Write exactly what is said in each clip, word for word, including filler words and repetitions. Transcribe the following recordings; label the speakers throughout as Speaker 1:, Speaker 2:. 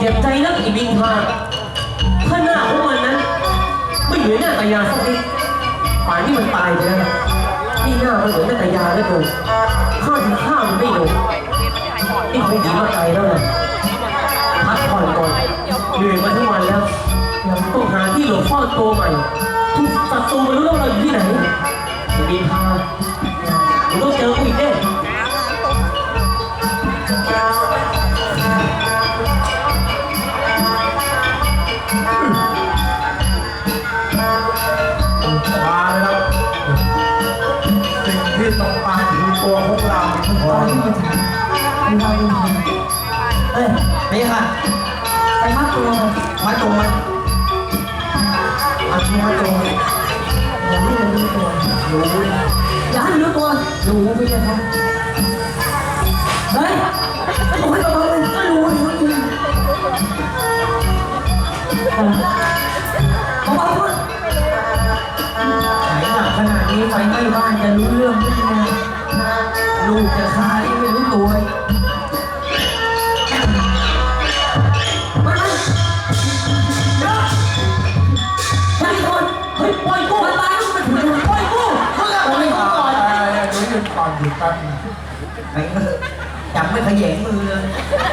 Speaker 1: จ็บใจนักอีบิงพาข้างหน้าของมันนั้นไม่เหมือนหน้าตายาสักนิดป่านนี้มันตายไปแล้วนี่หน้ามันเหมือนหน้าตายาแล้วดูข้าถึงข้ามันไม่ลงนี่คงดีมาไกลแล้วนะพักผ่อนก่อนเหนื่อยมาทั้งวันแล้วยังต้องหาที่หลบซ่อนตัวใหม่ทุกศัตรูมันรู้แล้วเราอยู่ที่ไหนอีบิงพาผมต้องเจอกูอีกแน่
Speaker 2: มาแล้วสิ่งที่ต้องการคือตัวพวกเราทุกคน
Speaker 3: เอ้ยไม่ค่ะไปมัดตัวมันมัดตัวมันเอาที่มัดตัวอย่าให้มันรู้ตัวรู้อย่าให้มันรู้ตัวรู้ไม่ใช่ครับเฮ้ยโอ้ยระวังเลยก็รู้รู้จริงระวังด้วยไหนหนักขนาดนี้ไฟไหม้บ้านจะรู้เรื่องไหมเนี่ยลูกจะคายไม่รู้ตัว
Speaker 2: ก่อนหยุดแป๊บนึง
Speaker 3: ไอ้จับไม่ขยงมือเลย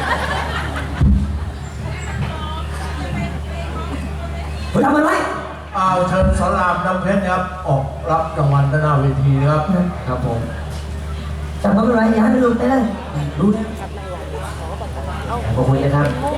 Speaker 3: ทำอะไร
Speaker 2: เอาเชิญสอนรามน้ำเพชรครับออกรับรางวัลด้านหน้าเวทีนะครับครับผม
Speaker 3: จับมันอะไรอย่าให้มันหลุดไปเลยหลุดขอบคุณนะครับ